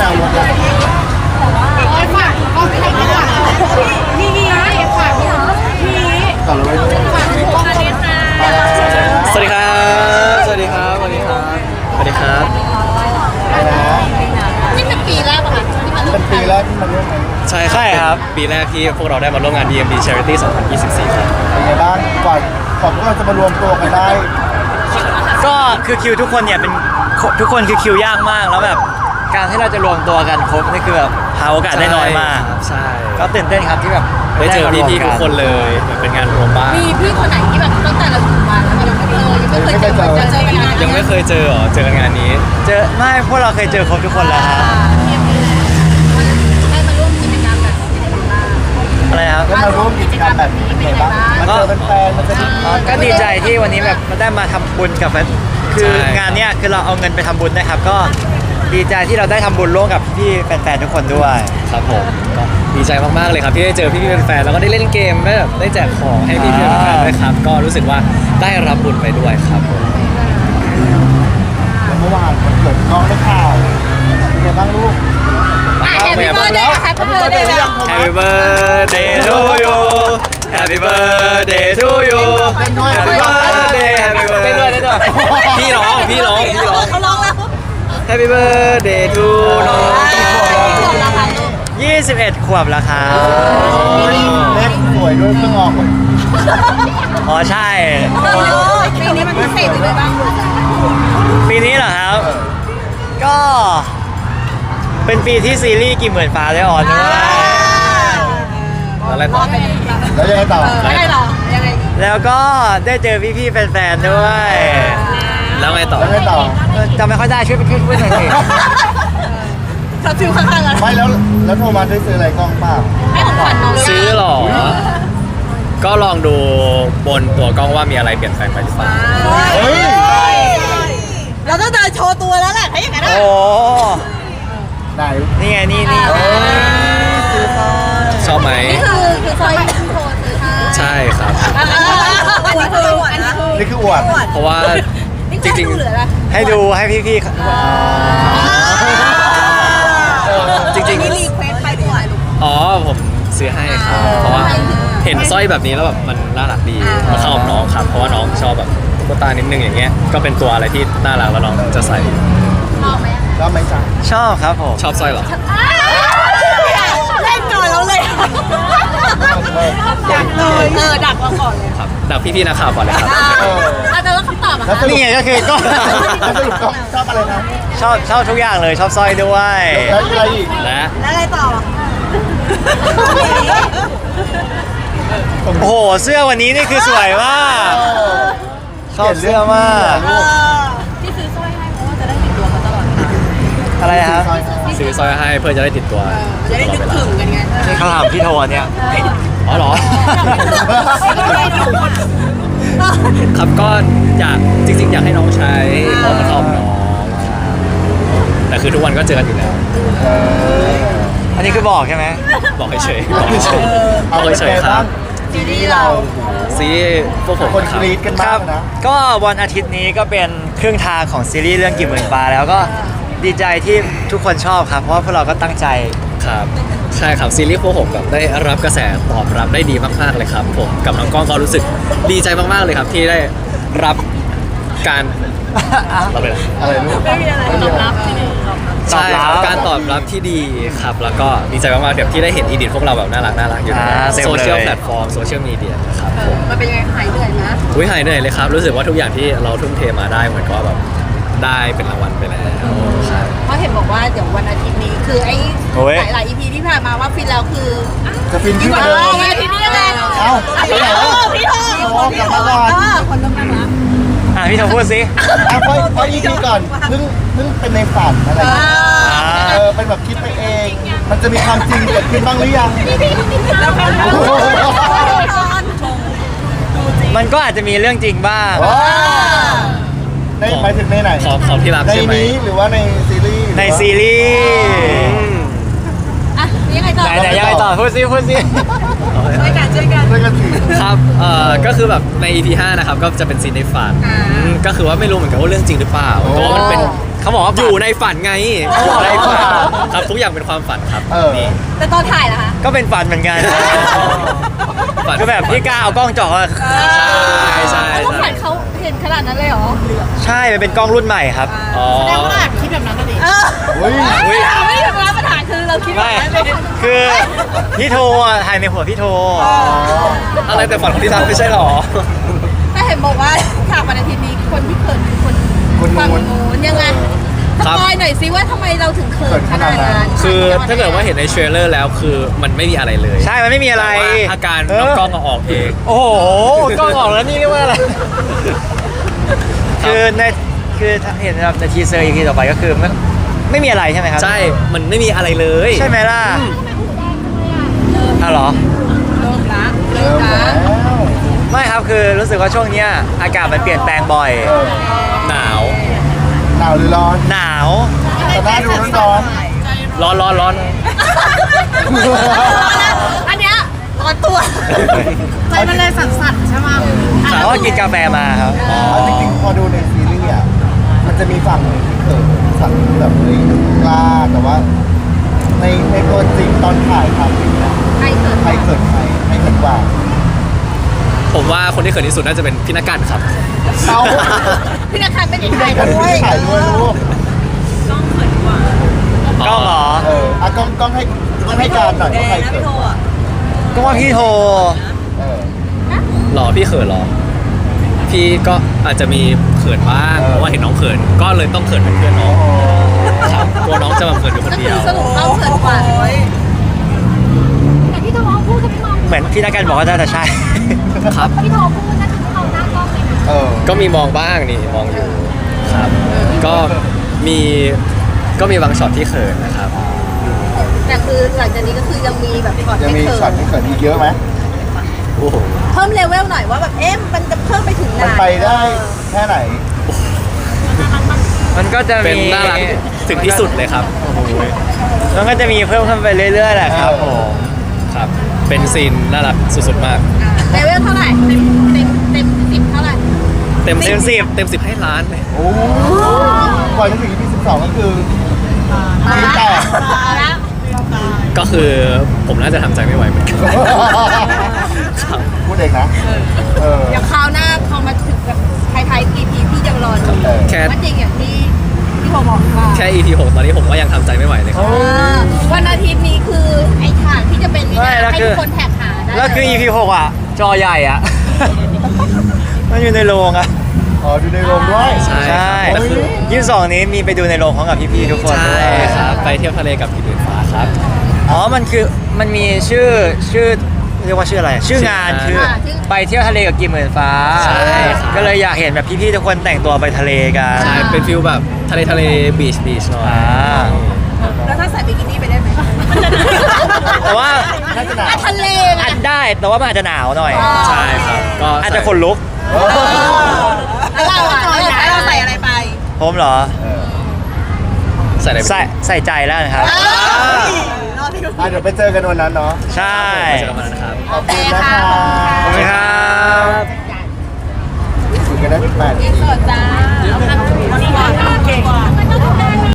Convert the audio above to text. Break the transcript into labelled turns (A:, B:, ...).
A: แนวรถเลย
B: ฝากกล้องใครกันล่ะนี่ฝากพี่
A: ก่อนเราไปดู
B: ฝากกล้องนี้ค่ะ
C: สวัสดีครับ สวัสดีครับ สวัสดีครับ สวัสดีครับ
A: ไปนะ
B: นี่เป็นปีแรกป่ะคะที่มาร่ว
A: เป็
B: ม
A: นปีแรกที่มาร่วมงาน
C: ใช่ครับ ปีแรกที่พวกเราได้มาร่วมงาน DMD Charity 2024 ครับ
A: เป็นไงบ้างก่อนพวกเราจะมารวมตัวกันได้
D: ก็คือคิวทุกคนเนี่ยเป็นทุกคนคือคิวยากมากแล้วแบบการที่เราจะรวมตัวกันครบนี่คือแบบหาโอกาสได้น้อยมาก
C: ใช่
D: ก็ตื่นเต้นครับที่แบบ
C: ได้เจอพี่ๆทุกคนเลยเหมือนเป็นงานรวมบ้าน
B: มีพี่คนไหนที่แบบตั้งแต่เราอยู่มาแล้วยังไม่เคยเจอกันงาน
C: ยังไม่เคยเจอเหรอ เจอกันงานนี้
D: เจอไม่พวกเราเคยเจอครบทุกคนแล้วครับ
B: ได้มาร่วมกิจกรรมแบบนี้บ้าง
D: อะไรครับ
A: ได้มาร่วมกิจกรรมแบบนี้เป็นไงบ้างมาเจอแฟนๆมันจะได้
D: ก็ดีใจที่วันนี้แบบมาได้มาทำบุญกับคือ
C: ใช่
D: งานเนี้ยคือเราเอาเงินไปทำบุญนะครับ ก็ดีใจที่เราได้ทำบุญร่วมกับพี่แฟนๆทุกคนด้วย
C: ครับผมก็ดีใจมากๆเลยครับที่ได้เจอพี่ๆแฟนๆแล้วก็ได้เล่นเกมได้แบบได้แจกของให้พี่ๆแฟนๆด้วยครับ ก็รู้สึกว่าได้รับบุญไปด้วยครับผม
A: แล้วเมื่อวานมันเกิดน้องได้ข่าวเป็นไงบ้างลูก
B: แฮปปี้เบิร์ดเดย์แฮปปี้เบิร์ดเดย์
C: Happy birthday to you Happy birthday to you Happy birthday Happy birthday ด้วยพี่ร้อง
B: เขาร้องแล้ว
C: Happy birthday to น้อง
D: 21 ขวบแล้วครับ
A: เล็กสวยด้วยเพิ่งออกเลย
D: อ๋อใช่
B: ปีนี้มันพิเศษยังไงบ้าง
D: ปีนี้เหรอครับ ก็เป็นปีที่ซีรีส์กี่หมื่นฟ้าได้ออนด้วย
C: อะไรต่อ
A: แล้วยังไงต่อ
B: ไม่ได้หรอยังไง
D: แล้วก็ได้เจอพี่ๆแฟนๆด้วย
C: แล้วไงต่อ
A: แล้วยังไงต่อ
D: จำไม่ค่อยได้ช่วยไปพูดหน่อยสิ
B: ขับฟิวข้างๆกัน
A: ไม่แล้วโทรมาได้ซื้ออะไรกล้องเปล่า
B: ให้ของขวัญน้อง
C: ซื้อหรอ ก็ลองดูบนตัวกล้องว่ามีอะไรเปลี่ยนแปลงไปหรือเปล่า
A: เฮ้ย
B: เราต้องเดินโชว์ตัวแล้วแหละถ้าอย่างนั้น
D: โอ้
A: ไหน
D: นี่ไงนี่
C: ชอบไหม
B: นี่คือซอยที่โทรซื้อให้
C: ใช่ครับ
B: อันนี้คืออันนี้คือ
A: นี่คืออวด
C: เพราะว่าจริง
B: เหลืออะไร
D: ให้ดูให้พี่ๆ
C: จริง
B: นี่รีเควสไปด้วยลูก
C: ๆ อ๋อผมซื้อให้ครับ เพราะว่าเห็นสร้อยแบบนี้แล้วแบบมันน่ารักดีมาเข้ากับน้องครับ เพราะว่าน้องชอบแบบตุ๊กตานิดนึงอย่างเงี้ย ก็เป็นตัวอะไรที่น่ารักแล้วน้องจะใส่
B: ชอบไหม
A: ก็ไม่จ่าย
D: ชอบครับผม
C: ชอบสร้อยเหรอ
B: เล่นก่อนแล้วเลยดักเลยดักเราก่อนเลย
C: ครับดักพี่ๆนักข่าวก่อนเลยครับ
B: อาจจะแล้วคำตอบอะ
A: แล้วสรุป
D: นี่ไงก็คือก็
A: แล้วสรุปก็ชอบอะไรนะ
D: ชอบทุกอย่างเลยชอบสร้อยด้วย
A: แล้วอะไรอีก
C: และ
B: แล้วอะไรต่อ
D: โอ้โหเสื้อวันนี้นี่คือสวยมากชอบเสื้อมาก
B: ที่ซื้อสร้อยให้เพราะว่าจะได้ติดตัวเขาตลอด
D: อะไรครับ
C: ซื้อสร้อยให้เพื่อจะได้ติดตัว
B: จะได้นึกถึงกันไง
D: นี่เขาถามพี่โทนเนี่ย
C: อ๋อเหรอ ครับก็อยากจริงๆ อยากให้น้องใช้เพราะมันเข้ากับน้องแต่คือทุกวันก็เจอกันอยู่แล้ว
D: อันนี้คือบอกใช่ไหม
C: บอกเฉยๆบอกเฉยๆบอกเฉยๆครับ
A: ซีรีส์เรา
C: ซีพวกผม
A: คน
C: ค
A: ก
C: รับ
A: รี๊ดกัน
D: ค
A: มา
D: รั
A: ก
D: บ
A: นะ
D: ก็วันอาทิตย์นี้ก็เป็นครึ่งทางของซีรีส์เรื่องกี่หมื่นฟ้าแล้วก็ดีใจที่ทุกคนชอบครับ เพราะว่าพวกเราก็ตั้งใจ
C: ครับใช่ครับซีรีส์พวกผมแบบได้รับกระแสตอบรับได้ดีมากๆเลยครับ ผมกับน้องกล้องก็รู้สึกดีใจมากๆเลยครับ ที่ได้รับการรับเลยนะ
A: อะไรลูก
B: ไม่มีอะไรตอบรับที่นี่
C: ใช่ครับการตอบรับที่ดีครับแล้วก็ดีใจมากๆแบบที่ได้เห็นอีดิทพวกเราแบบน่ารักอยู่ใน
D: เต็มเลย
C: โซเชียลแพลตฟอร์มโซเชียลมีเดียครับผม
B: มันเป็นยังไงหายเหนื่อยนะ
C: อุ้ยหายเหนื่อยเลยครับ รู้สึกว่าทุกอย่างที่เราทุ่มเทมาได้เหมือนก็แบบได้เป็นรางวัลไปแล้วใช่
B: เพราะเห็นบอกว่าเดี๋ยววันอาทิตย์นี้คือไอ้
D: โอ้ย
B: หลายๆ EP ที่ผ่านมาว่าฟินแล้วคือ
A: จะฟินที่
B: วัน
A: เดิม
B: อาทิตย์นี้ยังไง
A: เอ้าไปไหนวะ
B: พี่โท
A: โอ้กลับมาก่อน
B: คนต้องนั่งรับ
D: พี่โทพูดสิ
A: อ่ะพอ EP ก่อนเพิ่งเป็นในฝันอะไรอย่างเงี้ยเป็นแบบคิดไปเอง มันจะมีความจริงเกิดขึ้นบ้างหรือยัง
B: แล้วกัน
D: มันก็อาจจะมีเรื่องจริงบ้าง
A: ว้าในหมายถึงในไหน
C: ขอที่รับ
A: ใน
C: ใช่ไหม
A: นี้หรือว่าในซีรีส์
D: ในซีรีส์
B: อ่ะยังไงต่อ
D: ไหนยังไงต่อพูดสิ
B: ช่วยกัน
A: ด้วยกันสิ
C: ครับก็คือแบบใน EP 5นะครับก็จะเป็นซีนในฝัน
B: อ่า
C: ก็คือว่าไม่รู้เหมือนกันว่าเรื่องจริงหรือเปล่าแต่ว่ามันเป็น
D: เขาบอกว่า
C: อยู่ในฝันไง
D: อยู่ในฝัน
C: ครับทุกอย่างเป็นความฝันครับ
A: เออ
C: นี่
B: แต่ตอนถ่ายล่ะคะ
D: ก็เป็นฝันเหมือนกัน
C: ฝัน
D: คือแบบพี่กล้าเอากล้องจ่อมา
C: ใช่
B: แล้วฝันเขาเห็นขนาดนั้นเลยเหรอ
D: ใช่มันเป็นกล้องรุ่นใหม่ครับ
C: อ๋อ
B: แสดงว่าคิดแบบนั้นก็ดี
A: เฮ้ย
B: ไม่ได้ทำร้ายปัญหาคือเราคิดแบบ
D: ไม่
B: นั้นเลย
D: คือพี่โทอ่ะถ่ายในหัวพี่โท
C: อะไรแต่ฝันของที่รักไม่ใช่หรอ
B: แต่เห็นบอกว่าฉากวันอาทิตย์นี้คนที่เขินคือคนฝั่งนู้นยังไงสปอยหน่อยซิว่าทำไมเราถึงเขินขนาดนั้น
C: คือถ้าเกิดว่าเห็นในเทรลเลอร์แล้วคือมันไม่มีอะไรเลย
D: ใช่มันไม่มีอะไร
C: แต่ว่าอาการน้องกล้องเอาออกเอง
D: โอ้โหกล้องออกแล้วนี่เรียกว่าอะไร คือในคือถ้าเห็นนะครับในทีเซอร์ EP ต่อไปก็คือไม่มีอะไรใช่ไหมครับ
C: ใช่ มันไม่มีอะไรเลย
D: ใช่ไหมล่ะอ้าวเหรอ
B: เริ่มละ
A: เริ่มแล้ว
D: ไม่ครับคือรู้สึกว่าช่วงเนี้ยอากาศมันเปลี่ยนแปลงบ่อย
C: หนาว
A: หนาวหรือร้อน
D: หนาว
A: แต่หน้าดูร้อน
C: ร้อน
B: อันเนี้ยร้อนตัวใจมันเลยสั่นๆใช่ไหม
D: เพราะว่ากินกาแฟมาครับ
A: เอาจริงๆพอดูในซีรีส์อ่ะมันจะมีฝั่งหนึ่งที่เขินฝั่งที่แบบเฮ้ยกล้าแต่ว่า ในตัวจริงตอนถ่ายทำจริงนะ
B: ใครเขิน
A: ใครเขินใครให้เขินกว่า
C: ผมว่าคนที่เขินที่สุดน่าจะเป็นพี่นักการครับ
A: เอา
B: พี่นักข่าวเป็นอีก
A: ถ่า
B: ถ่าย ย
A: ด้
B: ด้
A: ว
B: วย ย
A: ถ่ายด้วยลูก
D: กล้องเหรอ
A: เอออ่ะกล้องให้การหน่อยว่าใครเขิน
D: ก็ว่าพี่โท
A: เออ
C: หรอพี่เขินหรอ พี่ก็อาจจะมีเขินบ้าง
A: เออ
C: เพราะว่าเห็นน้องเขิน ก็เลยต้องเขินเป็นเพื่อนน้องครับกลัวน้องจะแบบเขินอยู่คน
B: ก็
C: เดี
B: คื
C: ย
B: อ
C: ว
B: สรุปเขาเขินกว่า
E: แต่ที่โทรพูดกับพี่มอง
D: เหมือนพี่นักการบอกว่าน่าจะใช่
C: ครับ
E: พี่โทรพูดนะคือเขาหน้ากล้องเลยนะ
A: เออ
C: ก็มีมองบ้างนี่มองอยู่ครับ ก็มีก็มีบางช็อตที่เขินนะครับ
B: แต่คือหลังจากนี้ก็คือยังมีแบบช็อต
A: ยัง
B: ให้
A: มี
B: เขิ
A: ช็อต
B: น
A: ที่เขินอีกเยอะไหม
C: โอ้โห
B: เพิ่มเลเวลหน่อยว่าแบบเอ๊ะมันจะเพิ่มไปถึงไหน
A: มันไปได้แค่ไหน
D: มันก็จะ
C: เป็น
D: มี
C: น่ารักถึงที่สุดเลยครับ
D: มันก็จะมีเพิ่มขึ้นไปเรื่อยๆแหละครับผม
C: ครับ เป็นซีนน่ารักสุดๆมาก
B: เลเวลเท่าไหร่เต็ม10เท่าไหร่
C: เต็ม
D: เต็มสิบ
C: เต็ม10ให้ล้านเลย
A: โอ้โหก่อนจะถึง EP 12ก็คือมีแต่
B: แล้ว
C: ก็คือผมน่าจะทำใจไม่ไหวเหมือนกันครับ
A: พูดเองนะเออ
B: เดี๋ยวคราวหน้าพอมาถึงแบบไทยๆ EP พี่ยังรอดู
A: เออ
C: แค่
B: ว่าจริงอย่างที่ผมบอกว่า
C: แค่ EP 6 ตอนนี้ผมก็ยังทำใจไม่ไหวเลยครับ
B: วันอาทิตย์นี้คือไอ้ฉากที่จะเป็นนี่
D: ไม่
B: นะ
D: แล้ว
B: ให้
D: คื
B: ทุ
D: อ
B: กคนแท็กหาได้
D: แล้วคือ EP 6อ่ะ จอใหญ่อ่ะ มันอยู่ในโรงอ่ะ
A: อ๋อดูในโรงด้วย
C: ใช่
D: ใช่
C: ครับก็คือ
D: 22นี้มีไปดูในโรงพร้อมกับพี่ๆทุกคน
C: ใช่
D: ด้วย
C: ครับ ไปเที่ยวทะเลกับพี่ตื่นฟ้าครับ
D: อ๋อ มันมีชื่อเรียกว่าชื่ออะไร ชื่องานคือไปเที่ยวทะเลกับกิมหมื่นฟ้า
C: ใช่ครับ
D: ก็เลยอยากเห็นแบบพี่ๆทุกคนแต่งตัวไปทะเลกัน
C: ใช่ เป็นฟิลแบบทะเลบีชหน่อย
D: อ่า
B: แล้วถ้าใส่บิกินี่ไปได้ไหม
D: แต่ว่า
A: น่าจะหนาว
B: ทะเลไง
D: อาจได้แต่ว่ามันอาจจะหนาวหน่อย
C: ใช่ครับ ก็
D: อาจจะขนลุก
A: เออ
B: แล้วเราอะเราใส่อะไรไป
D: ผมเหรอ
A: เออ
C: ใส่อะไร
D: ใส่ใจแล้วนะครับ
A: อ่ะเดี๋ยวไปเจอกันวันนั้นเนาะ
D: ใช่
C: ไปเจอกันวันนั้นนะครับ
A: ขอบคุณนะคะ
D: ขอบคุณครับ
A: คุยกันได้8
B: อินเสิร์ตจ้า